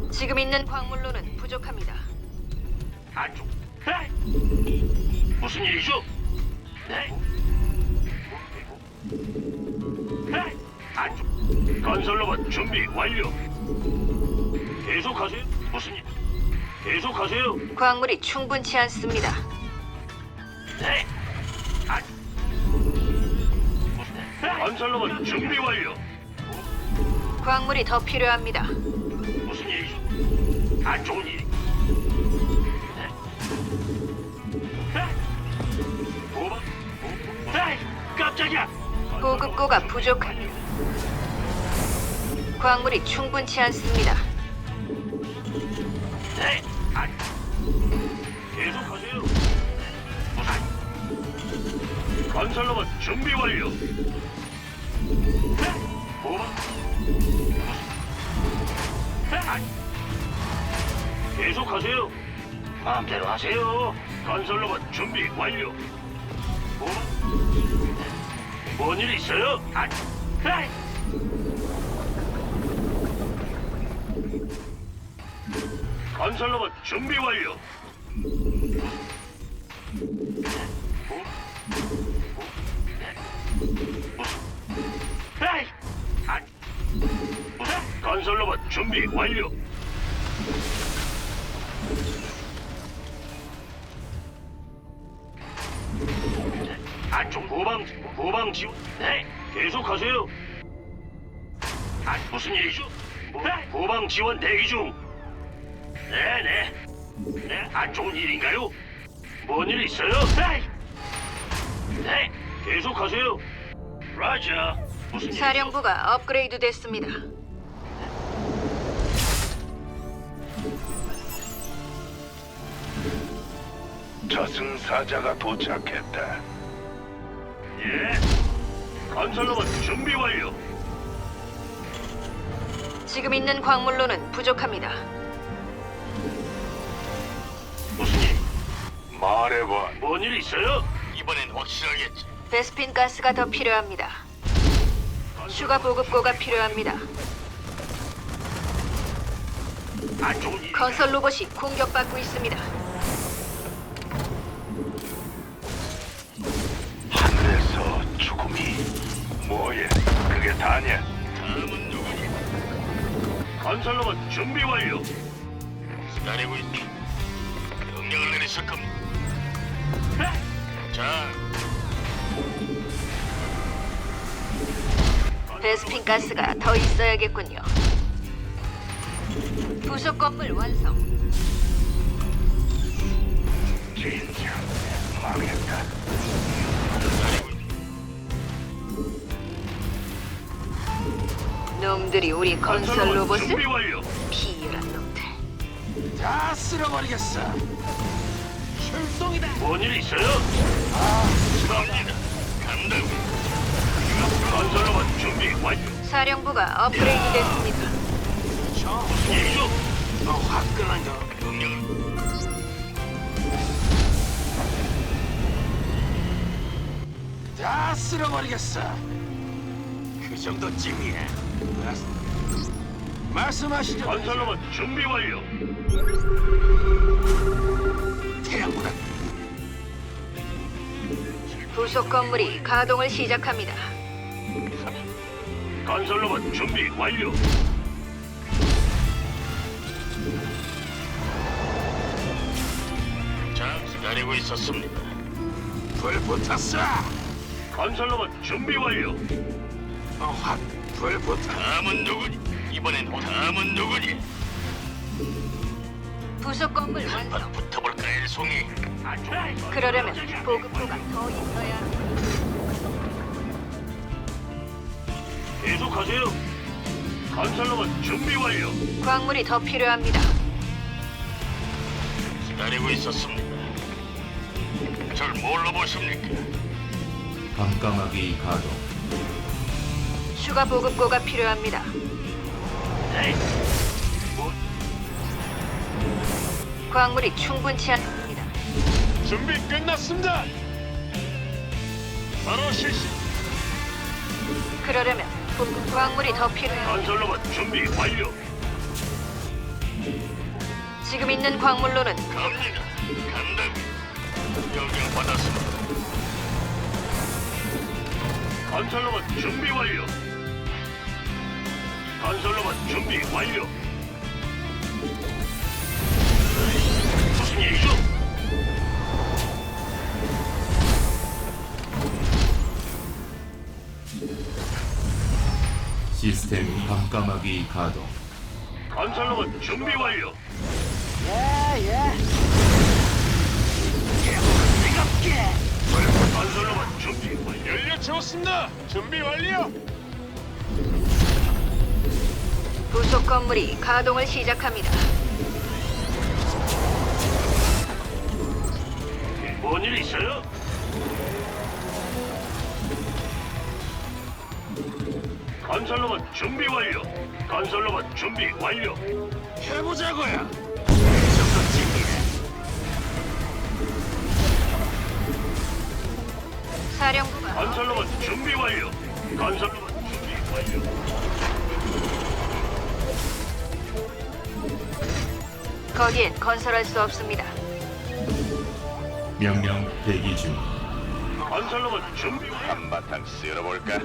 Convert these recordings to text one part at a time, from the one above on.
지금 있는 광물로는 부족합니다. 안쪽. 네. 무슨 일이죠? 네. 네. 안쪽. 건설로봇 준비 완료. 계속하세요. 무슨 일? 계속하세요. 광물이 충분치 않습니다. 네. 안. 건설로봇 준비 완료. 광물이 더 필요합니다. 무슨 일이죠? 안 좋은 일. 네. 네. 도박. 네. 깜짝이야. 보급고가 부족합니다. 광물이 충분치 않습니다. 네. 안. 계속하세요. 무슨. 건설로봇 준비 완료. 네. 도박. 계속하세요. 마음대로 하세요. 건설로봇 준비 완료. 뭔일 있어요? 에이! 건설로봇 준비 완료. 에이! 건설로봇 준비 완료. 안쪽 후방 지원. 네, 계속하세요. 무슨 일이죠? 네, 후방 지원 대기 중. 네, 안 좋은 일인가요? 뭔 일 있어요? 네, 계속하세요. 라자. 무슨 일? 사령부가 업그레이드 됐습니다. 저승사자가 도착했다. 예. 건설로봇 준비 완료. 지금 있는 광물로는 부족합니다. 무슨 일? 말해봐. 뭔 일 있어요? 이번엔 확실하겠지. 베스핀 가스가 더 필요합니다. 추가 보급고가 필요합니다. 안 좋은 일. 건설 로봇이 공격받고 있습니다. 하늘에서 죽음이 뭐야? 그게 다냐? 다음은 누구니? 건설로봇 준비 완료. 기다리고 있지. 명령을 내리실 겁니다. 자. 베스핀 가스가 더 있어야겠군요. 부속 건물 완성. 진짜 망했다. 놈들이 우리 건설 로봇을 준비 완료. 비열한 놈들. 다 쓸어버리겠어. 출동이다. 뭔일 있어요? 갑니다. 간다고. 건설로봇 준비 완료. 사령부가 업그레이드 됐습니다. 무슨 일이죠? 너 화끈한 거. 명령을. 다 쓸어버리겠어. 그 정도쯤이야. 말씀하시죠. 건설로봇 준비 완료. 태양보다 부속 건물이 가동을 시작합니다. 건설로봇 준비 완료. 자, 기다리고 있었습니다. 불 붙었어. 건설로봇 준비 완료. 불 붙어. 다음은 누구니? 이번엔 다음은 누구니? 부속 건물 완성. 한판 붙어볼까, 일송이? 그러려면 보급고가 더 있어야 합니다. 계속하세요. 건설로봇 준비 완료. 광물이 더 필요합니다. 기다리고 있었습니다. 절 뭘로 보십니까? 밤까마귀 가동. 추가 보급고가 필요합니다. 네. 뭐, 광물이 충분치 않습니다. 준비 끝났습니다. 바로 실시. 그러려면 광물이 더 필요합니다. 건설로봇 준비 완료. 지금 있는 광물로는 갑니다. 간다. 명령 받았습니다. 건설로봇 준비 완료. 건설로봇 준비 완료. 무슨 일이죠? 시스템 밤까마귀 가동. 건설로봇 준비 완료. 건설로봇 준비 완료. 연료 채웠습니다. 준비 완료. 부속 건물이 가동을 시작합니다. 뭔 일 있어요? 건설로봇 준비 완료. 건설로봇 준비 완료. 해보자고요. 이 정도쯤이야. 사령부가 건설로봇 준비 완료. 건설로봇 준비 완료. 거기엔 건설할 수 없습니다. 명령 대기 중. 건설로봇 준비 완료. 한바탕 쓸어볼까?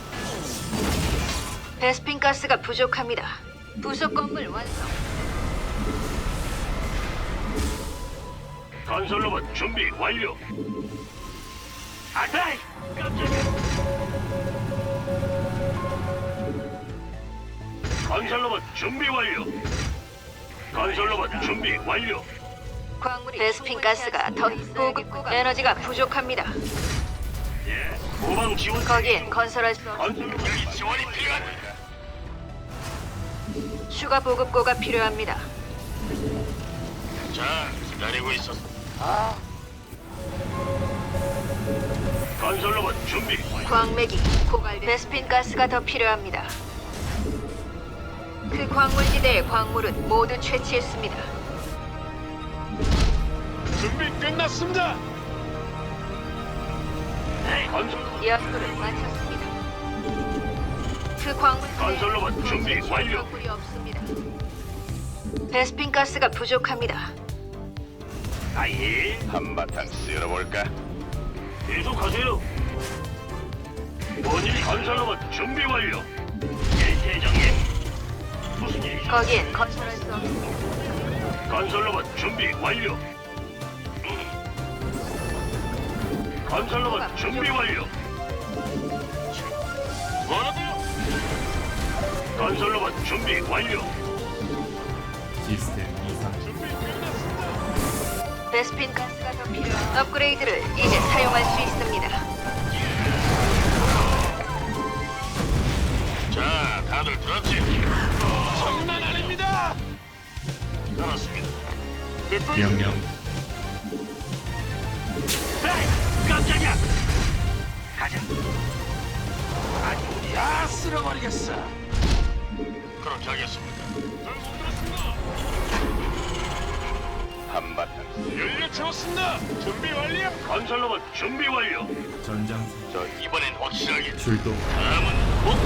베스핀 가스가 부족합니다. 부속 건물 완성. 건설로봇 준비 완료. 아다이! 깜짝이야. 건설로봇 준비 완료. 건설로봇 준비 완료. 광물이 베스핀 가스가 더 보급 에너지가 부족합니다. 예. 후방 지원. 거기엔 건설할 수 없. 건설로봇 지원이 필요하다. 추가 보급고가 필요합니다. 자, 기다리고 있었어. 건설로봇 준비 완료. 광맥이 고갈 베스핀 가스가 더 필요합니다. 그 광물지대의 광물은 모두 채취했습니다. 준비 끝났습니다. 건설로봇 연구를 마쳤습니다. 그 광물지대에 건설로봇 준비 완료. 광물이 없습니다. 베스핀 가스가 부족합니다. 아예. 한바탕 쓸어볼까? 계속하세요. 뭔일 건설로봇 준비 완료. 예, 대장님. 무슨 일이죠? 거기엔 건설할 수 없습니다. 건설로봇 준비 완료. 건설로봇 준비 완료. 뭐라고요? 건설로봇 준비 완료. 시스템 이상. 베스핀 가스가 더 필요한 업그레이드를 이제 사용할 수 있습니다. 자, 다들 들었지? 장난 아닙니다. 알았습니다. 명령 에이, 깜짝이야. 가자. 아주 다 쓸어버리겠어. 그렇게 하겠습니다. 한바탕 연료 채웠습니다. 준비 완료. 건설로봇 준비 완료. 전장 저 이번엔 확실하게. 출동. 다음은 목표.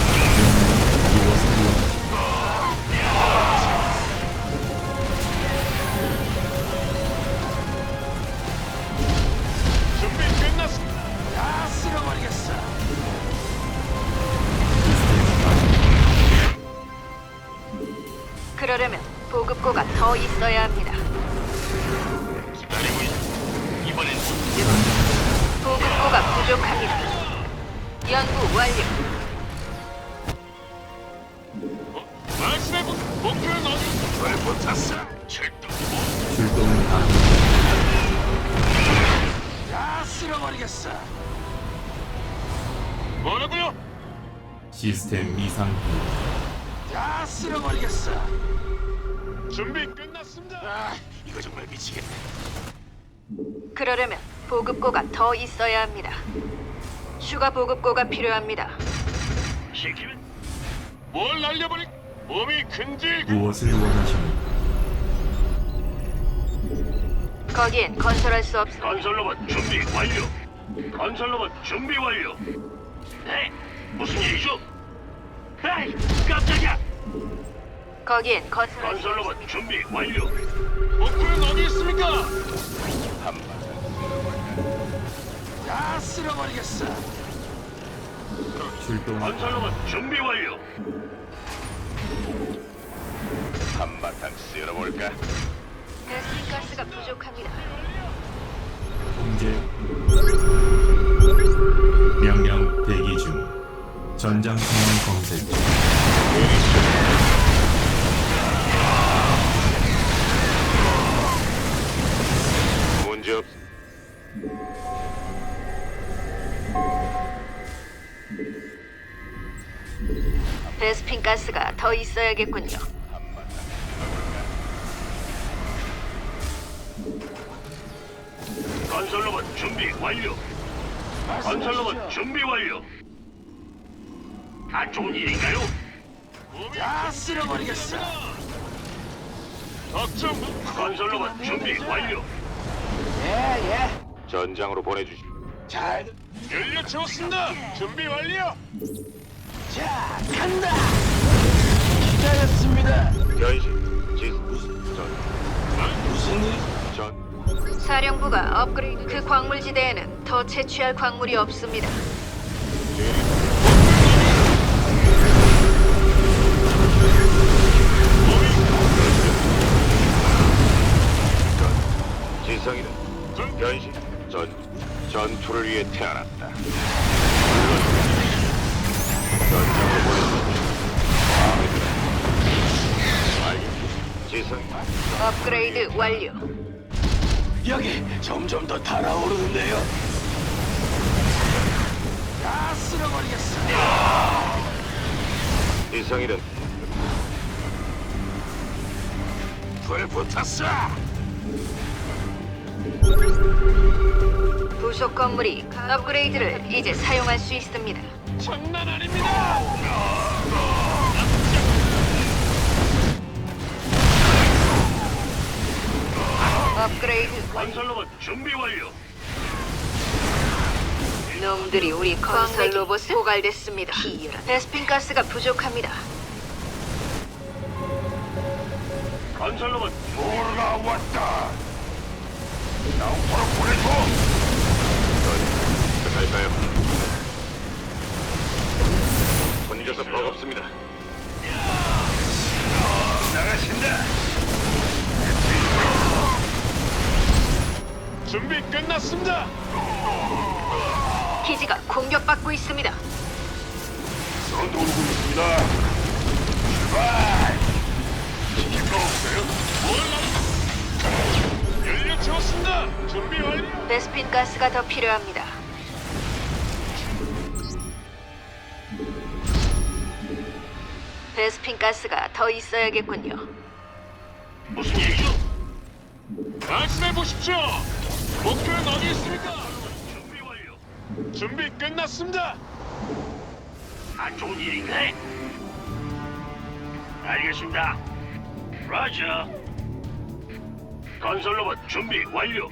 무엇을 준비 끝났습니다. 다 쓸어버리겠어. 그러려면 보급고가 더 있어야 합니다. 기다리고 있어. 이번엔 보급고가 부족합니다. 연구 완료. 말씀해보. 목표는 어디? 왜 붙었어? 출동. 출동 안. 다 쓸어버리겠어. 뭐라고요? 시스템 이상. 다 쓸어버리겠어. 준비 끝났습니다. 아, 이거 정말 미치겠네. 그러려면 보급고가 더 있어야 합니다. 추가 보급고가 필요합니다. 시키면 뭘 날려버릴? 몸이 근질. 무엇을 원하십니까? 거기엔 건설할 수 없습니다. 건설로봇 준비 완료. 건설로봇 준비 완료. 네, 무슨 일이죠? 에이, 깜짝이야. 거기엔 건설 건설로봇 준비 완료. 목표는 어디 있습니까? 한바탕 다 쓸어버리겠어. 출동 건설로봇 준비 완료. 한바탕 쓸어볼까? 베스핀 가스가 부족합니다. 통제 명령 대기 중 전장 상황 검색 중 문제없. 베스핀 가스가 더 있어야겠군요. 건설로봇 준비 완료. 건설로봇 준비 완료. 안 좋은 일인가요? 다 쓸어버리겠어. 걱정. 건설로봇 준비 완료. 예. 전장으로 보내주시. 잘. 연료 채웠습니다. 준비 완료. 자, 간다. 기다렸습니다. 변신. 무슨 일? 전 사령부가 업그레이드 그 광물지대에는 더 채취할 광물이 없습니다. 지성이는 변신. 전투를 위해 태어났다. 전장으로 보내주시. 마음에 들어. 알겠지. 지성이. 업그레이드 완료. 여기 점점 더 달아오르는데요. 다 쓸어버리겠어. 지성이는 불 붙었어. 부속 건물이 업그레이드를 이제 사용할 수 있습니다. 장난 아닙니다. 업그레이드 완료. 건설로봇 준비 완료. 놈들이 우리 건설 로봇에 고갈됐습니다. 베스핀 가스가 부족합니다. 건설로봇 보르가 왔다. 나우퍼로 보내줘. 갈까요? 손님께서 버겁습니다. 나가신다. 준비 끝났습니다. 기지가 공격받고 있습니다. 서두르고 있습니다. 출발. 시킬 거 없어요? 연료 채웠습니다. 준비 완료. 베스핀 가스가 더 필요합니다. 베스핀 가스가 더 있어야겠군요. 무슨 일이죠? 말씀해 보십시오. 목표는 어디 있습니까? 준비 완료. 준비 끝났습니다. 안 좋은 일인가? 알겠습니다. 라자. 건설로봇 준비 완료.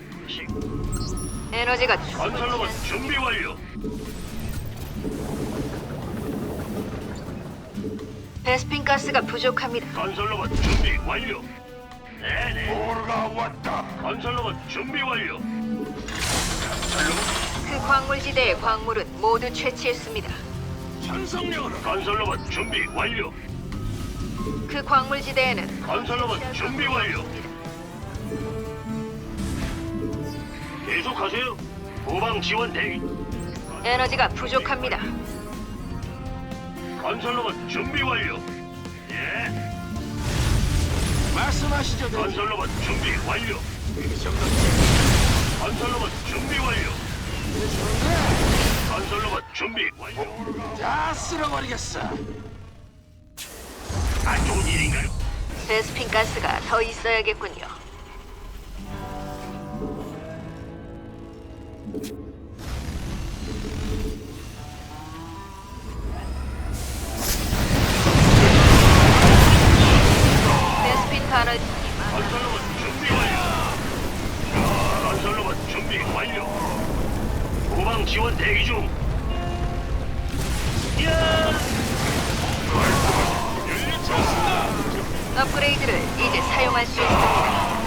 에너지가 건설로봇 준비 완료. 베스핀 가스가 부족합니다. 건설로봇 준비 완료. 네네. 보르가 왔다. 건설로봇 준비 완료. 그 광물지대의 광물은 모두 채취했습니다. 전성력으로. 건설로봇 준비 완료. 그 광물지대에는 건설로봇 준비 완료. 계속하세요. 후방 지원 대기. 에너지가 부족합니다. 건설로봇 준비 완료. 예. 말씀하시죠, 대장. 건설로봇 준비 완료. 이 정도. 건설로봇 준비 완료. 건설로봇 준비 완료. 다 쓸어버리겠어. 안 좋은 일인가요? 베스핀 가스가 더 있어야겠군요. 베스핀 가스 건설로봇 준비 완료. 건설로봇 준비 완료. 후방 지원 대기 중. 야! 연료 채웠습니다. 업그레이드를 이제 사용할 수 있습니다.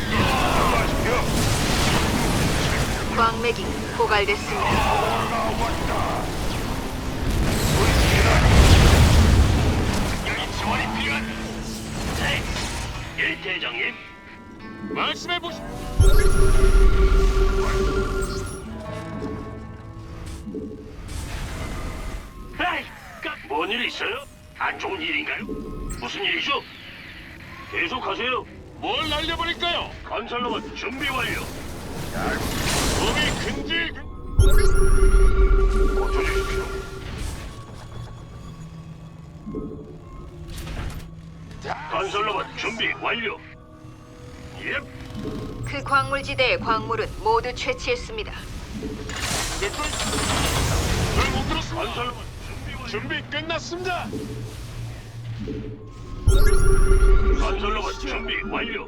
광맥이 고갈됐습니다. 지원이 필요한. 네. 예, 대장님. 말씀해 보시. 에이, 뭔일 있어요? 안 좋은 일인가요? 무슨 일이죠? 계속하세요. 뭘 날려버릴까요? 건설로봇 준비 완료. 몸이 근질. 고쳐주십시오. 건설로봇 준비 완료. 예, 그 광물지대의 광물은 모두 채취했습니다. 잘못 들었습니다. 건설로봇 준비 완료. 준비 끝났습니다. 건설로봇 준비 완료.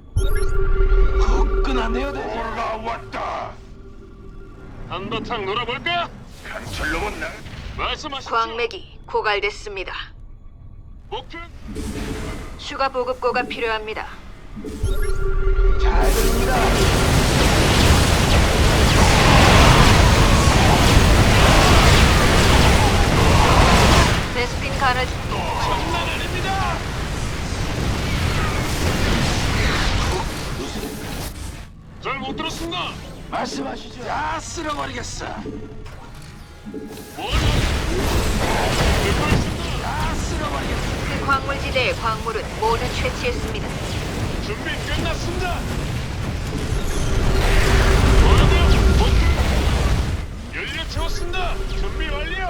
끝났네요. 올라왔다. 한바탕 놀아볼까? 건설로봇 나. 말씀하시죠. 광맥이 고갈됐습니다. 목표. 추가 보급고가 필요합니다. 잘 들립니다. 베스핀 가스 장난 아닙니다. 잘 못 들었습니다. 말씀하시죠. 다 쓸어버리겠어. 뭘? 듣고 있습니다. 다 쓸어버리겠어. 그 광물지대의 광물은 모두 채취했습니다. 준비 끝났습니다. 뭐라고요? 목표. 연료 채웠습니다. 준비 완료.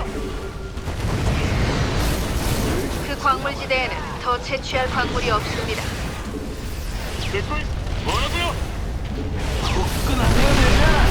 그 광물지대에는 더 채취할 광물이 없습니다. 듣고 있. 뭐라고요? 끝났네요, 대장.